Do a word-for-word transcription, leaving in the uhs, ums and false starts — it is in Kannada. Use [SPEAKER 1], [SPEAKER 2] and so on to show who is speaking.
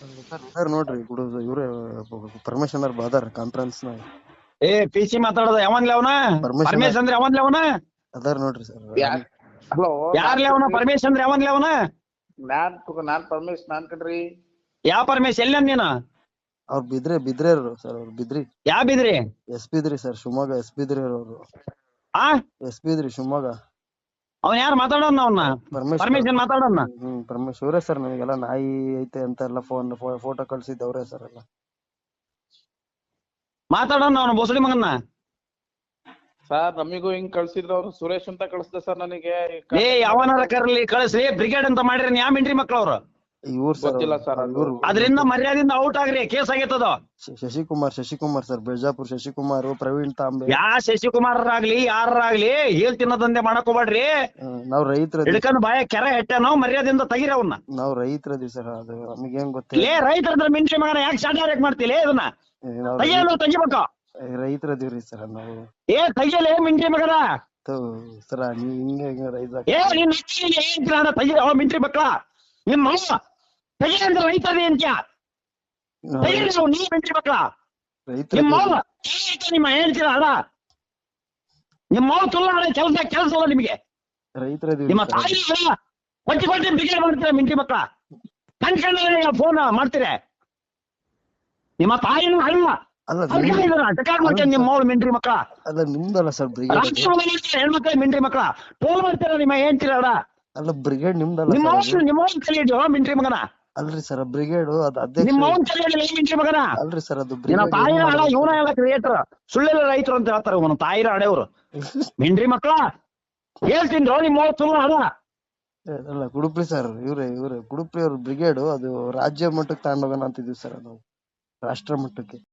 [SPEAKER 1] ಸರ್ ಇದಾರ್ ನೋಡ್ರಿ ಗುಡು ಇವ್ರೆ ಪರಮೇಶ್ ಅವ್ರ ಬಾದಾರ ಕಾನ್ಫರೆನ್ಸ್ ನಾಗ
[SPEAKER 2] ಏ ಪಿ ಸಿ ಮಾತಾಡೋದು ಯಾವನ್ಲೆ ಅವನ
[SPEAKER 1] ಪರಮೇಶ್
[SPEAKER 2] ಪರಮೇಶ್ ಅಂದ್ರೆ ಯಾವನ್ಲೆ ಅವನ
[SPEAKER 1] ಅದಾರ ನೋಡ್ರಿ ಸರ್
[SPEAKER 3] ಹಲೋ
[SPEAKER 2] ಯಾರ್ಲೆ ಅವನ ಪರಮೇಶ್ ಅಂದ್ರೆ ಯಾವನ್ಲೆ ಅವನ
[SPEAKER 3] ನಾನ್ ನಾನ್ ಪರಮೇಶ್ ನಾನ್ ಕಣ್ರಿ.
[SPEAKER 2] ಯಾವ ಪರಮೇಶ್ ಎಲ್ಲ ನೀನು
[SPEAKER 1] ಅವ್ರ ಬಿದ್ರೆ ಬಿದ್ರೆ ಸರ್ ಅವ್ರ ಬಿದ್ರಿ
[SPEAKER 2] ಯಾವ Bidri
[SPEAKER 1] S Bidri sir Shivamogga S Bidri ಅವ್ರು
[SPEAKER 2] ಆ
[SPEAKER 1] ಎಸ್ ಬಿದ್ರಿ ಶಿವಮೊಗ್ಗ
[SPEAKER 2] ಅವನ್ ಯಾರು ಮಾತಾಡೋಣ ಅವನ್ನ
[SPEAKER 1] ಪರಮೇಶ್
[SPEAKER 2] ಪರಮೇಶ್ ಏನ್ ಮಾತಾಡೋಣ
[SPEAKER 1] ಹ್ಮ್ ಪರಮೇಶ್ ಅವರೇ ಸರ್ ನನಗೆಲ್ಲ ನಾಯಿ ಐತೆ ಅಂತ ಎಲ್ಲ ಫೋನ್ ಫೋಟೋ ಕಳ್ಸಿದ್ದವ್ರೆ ಸರ್ ಎಲ್ಲ
[SPEAKER 2] ಮಾತಾಡೋಣ ಅವನು ಬೋಸಡಿ ಮಗನ್ನ.
[SPEAKER 3] ಸರ್ ನಮಿಗೂ ಹಿಂಗ್ ಕಳ್ಸಿದ್ರು ಅವ್ರು ಸುರೇಶ್ ಅಂತ ಕಳ್ಸ್ದೆ ಸರ್ ನನಗೆ.
[SPEAKER 2] ಏ ಯಾವನಾರ ಕರ್ಲಿ ಕಳಿಸ್ರಿ ಬ್ರಿಗೇಡ್ ಅಂತ ಮಾಡಿರಿ ಯಾವ ಮಿಂಟ್ರಿ ಮಕ್ಳು ಅವ್ರು
[SPEAKER 1] ಇವ್ರು ಸರ್
[SPEAKER 3] ಗೊತ್ತಿಲ್ಲ ಸರ್ ಅದು.
[SPEAKER 1] ಇವ್ರು
[SPEAKER 2] ಅದರಿಂದ ಮರ್ಯಾದಿಂದ ಔಟ್ ಆಗ್ರಿ ಕೇಸ್ ಆಗೈತದ.
[SPEAKER 1] ಶಶಿಕುಮಾರ್ ಶಶಿಕುಮಾರ್ ಸರ್ ಬಿಜಾಪುರ್ ಶಶಿಕುಮಾರ್ ಪ್ರವೀಣ್ ತಾಂಬೆ
[SPEAKER 2] ಯಾ ಶಶಿಕುಮಾರರಾಗ್ಲಿ ಯಾರಾಗ್ಲಿ ಹೇಳ್ ತಿನ್ನೋದಂದೆ ಮಾಡಕ್ ಹೋಗ್ಬೇಡ್ರಿ.
[SPEAKER 1] ನಾವ್ ರೈತರ
[SPEAKER 2] ಹಿಡ್ಕೊಂಡ್ ಬಾಯ ಕೆರೆ ಹೆಟ್ಟನೋ ಮರ್ಯಾದಿಂದ ತೆಗಿರಿ ಅವನ್ನ.
[SPEAKER 1] ನಾವ್ ರೈತರದಿ ಸರ್ ಅದು ನಮಗೇನ್ ಗೊತ್ತಿಲ್ಲ.
[SPEAKER 2] ಲೇ ರೈತರ ಮಿಂಟ್ರಿ ಮಗನ ಯಾಕೆ ಶಾರ್ಟ್ ಯಾಕೆ ಮಾಡ್ತಿಲ್ಲ ಇದನ್ನ ತೆಗಿಯಲು ತೆಗಿಬೇಕು.
[SPEAKER 1] ರೈತರದಿವ್ರಿ ಸರ್ ನಾವು
[SPEAKER 2] ಏ ತೆಗಿಯಲೇ ಮಿಂಟ್ರಿ ಮಗನ.
[SPEAKER 1] ಸರ ನೀವ್ ಹಿಂಗೆ ರೈತ
[SPEAKER 2] ಏ ನಿನ್ ಏನ್ ತೆಗಿ ಅವ ಮಿಂಟ್ರಿ ಮಕ್ಳ ನಿಮ್ಮ ತೆಗಿ ಅಂದ್ರೆ ರೈತರದಿ ಅಂತ್ಯ ತೆಗಿರಿ ನಾವು ನೀ ಮಿಂಟ್ರಿ ಮಕ್ಳ
[SPEAKER 1] ರೈತರ
[SPEAKER 2] ನಿಮ್ಮ ನಿಮ್ಮ ಹೇಳ್ತೀರ ಅಡ ನಿಮ್ಮ ಮಾವು ತುಲ್ಲ ಕೆಲಸ ಕೆಲಸ ಅಲ್ಲ ನಿಮಗೆ.
[SPEAKER 1] ರೈತರದಿವ್ರಿ
[SPEAKER 2] ನಿಮ್ಮ ತಾಯಿ ಕೊಟ್ಟಿ ಕೊಟ್ಟಿ ಬಿಗಿ ಮಾಡ್ತೀರ ಮಿಂಟ್ರಿ ಮಕ್ಳ ಕಣ್ಕಂಡ ಫೋನ್ ಮಾಡ್ತೀರ ನಿಮ್ಮ ತಾಯಿನೂ ಅಲ್ಲ ಮಾಡ್ತೇನೆ ನಿಮ್ಮ ಮೌಳು ಮಿಂಟ್ರಿ ಮಕ್ಳ.
[SPEAKER 1] ಅಲ್ಲ ನಿಮ್ದಲ್ಲ ಸರ್ ಬ್ರಿಗೇಡ್
[SPEAKER 2] ಹೆಣ್ಮಕ್ಳ ಮಿಂಟ್ರಿ ಮಕ್ಳ ಟೋಲ್ ಮಾಡ್ತೀರ ನಿಮ್ಮ ಹೇಳ್ತೀರ ಅಡ
[SPEAKER 1] ಅಲ್ಲ ಬ್ರಿಗೇಡ್ ನಿಮ್ದಲ್ಲ
[SPEAKER 2] ನಿಮ್ಮ ನಿಮ್ಮ ಮೌನ್ ಕಲಿಯೋ ಮಿಂಟ್ರಿ ಮಗನ.
[SPEAKER 1] ಅಲ್ರಿ ಸರ್ ಬ್ರಿಗೇಡ್ ಅದ್ ಅಧ್ಯಕ್ಷ
[SPEAKER 2] ನಿಮ್ಮ ಮೌನ್ ಕಲಿಯೋ ಮಿಂಟ್ರಿ ಮಗನ.
[SPEAKER 1] ಅಲ್ರಿ ಸರ್ ಅದು
[SPEAKER 2] ನಿನ್ನ ತಾಯಿನ ಹಣ ಇವನ ಎಲ್ಲ ಕ್ರಿಯೇಟರ್ ಸುಳ್ಳೆಲ್ಲ ರೈತರು ಅಂತ ಹೇಳ್ತಾರೆ ಇವನು ತಾಯಿರ ಹಡೆಯವರು ಮಿಂಟ್ರಿ ಮಕ್ಳ ಹೇಳ್ತೀನಿ ನಿಮ್ಮ ಮೌ ಸುಳ್ಳು ಹಣ.
[SPEAKER 1] ಅಲ್ಲ ಗುಡುಪ್ರಿ ಸರ್ ಇವ್ರೆ ಇವ್ರೆ ಗುಡುಪ್ರಿ ಅವ್ರ ಬ್ರಿಗೇಡ್ ಅದು ರಾಜ್ಯ ಮಟ್ಟಕ್ಕೆ ತಗೊಂಡೋಗೋಣ ಅಂತಿದ್ವಿ ಸರ್ ನಾವು ರಾಷ್ಟ್ರ ಮಟ್ಟಕ್ಕೆ.